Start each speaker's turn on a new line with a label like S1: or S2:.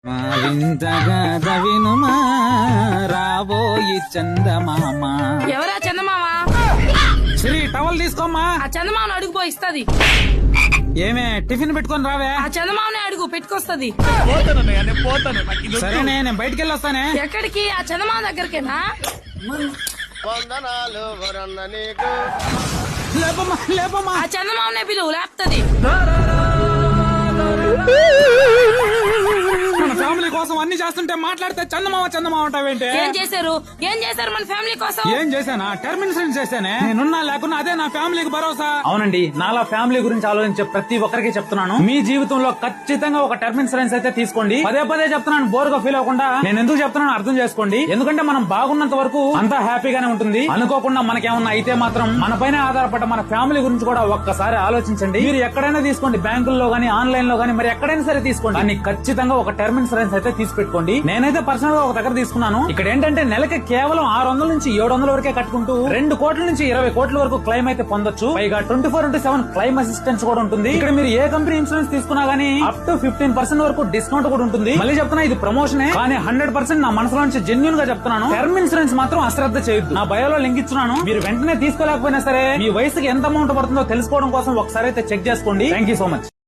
S1: మా వింతగా వినుమా రాబోయి చందమామ.
S2: ఎవరా చందమామ?
S1: శ్రీ టవల్ తీసుకోమ్మా.
S2: ఆ చందమామను అడుగుపో ఇస్తది.
S1: ఏమే టిఫిన్ పెట్టుకొని రావే.
S2: ఆ చందమామనే అడుగు పెట్టుకొస్తది.
S1: సరేనే నేను బయటికి వెళ్ళొస్తానే.
S2: ఎక్కడికి? ఆ చందమామ దగ్గరికేనా?
S1: లేపమ్మా లేపమ్మా.
S2: ఆ చందమామనే పిలువు లేపుతది.
S1: మన ఫ్యామిలీ కోసం అన్ని చేస్తుంటే మాట్లాడితే చందమామ చందమామ అంటావేంటి?
S2: ఏం చేశారు మన ఫ్యామిలీ కోసం?
S1: ఏం చేశానా? టర్మ్ ఇన్సూరెన్స్ చేశానే. నేనున్నా లేకున్నా అదే నా ఫ్యామిలీకి భరోసా. అవునండి, నాలా ఫ్యామిలీ గురించి ఆలోచించే ప్రతి ఒక్కరికి చెప్తున్నాను, మీ జీవితంలో ఖచ్చితంగా ఒక టర్మ్ ఇన్సూరెన్స్ అయితే తీసుకోండి. పదే పదే చెప్తున్నాను, బోర్ గా ఫీల్ అవ్వకుండా. నేను ఎందుకు చెప్తున్నాను అర్థం చేసుకోండి. ఎందుకంటే మనం బాగున్నంత వరకు అంతా హ్యాపీగానే ఉంటుంది. అనుకోకుండా మనకేమన్నా అయితే మాత్రం మన పైన ఆధారపడ్డ మన ఫ్యామిలీ గురించి కూడా ఒక్కసారి ఆలోచించండి. మీరు ఎక్కడైనా తీసుకోండి, బ్యాంకుల్లో గానీ ఆన్లైన్ లో గానీ, మరి ఎక్కడైనా సరే తీసుకోండి. కానీ ఖచ్చితంగా ఒక టర్మ్ ఇన్సూరెన్స్ అయితే తీసి పెట్టుకోండి. నేనైతే పర్సనల్ గా ఒక దగ్గర తీసుకున్నాను. ఇక్కడ ఏంటంటే నెలకి కేవలం 600 నుంచి 700 వరకే కట్టుకుంటూ 2 కోట్ల నుంచి 20 కోట్ల వరకు క్లెయిమ్ అయితే పొందొచ్చు. పైగా 24/7 క్లెయిమ్ అసిస్టెన్స్ కూడా ఉంటుంది. ఇక్కడ మీరు ఏ కంపెనీ ఇన్సూరెన్స్ తీసుకున్నా గానీ అప్ టు 15% వరకు డిస్కౌంట్ కూడా ఉంటుంది. మళ్ళీ చెప్తున్నా, ఇది ప్రమోషనే, కానీ 100% నా మనసులో నుంచి జెన్యూన్ గా చెప్తున్నాను. టర్మ్ ఇన్సూరెన్స్ మాత్రం అశ్రద్ధ చేయొద్దు. నా బయోలో లింక్ ఇస్తున్నాను. మీరు వెంటనే తీసుకోలేకపోయినా సరే మీ వయసుకి ఎంత అమౌంట్ పడుతుందో తెలుసుకోవడం కోసం ఒకసారి అయితే చెక్ చేసుకోండి. Thank you so much.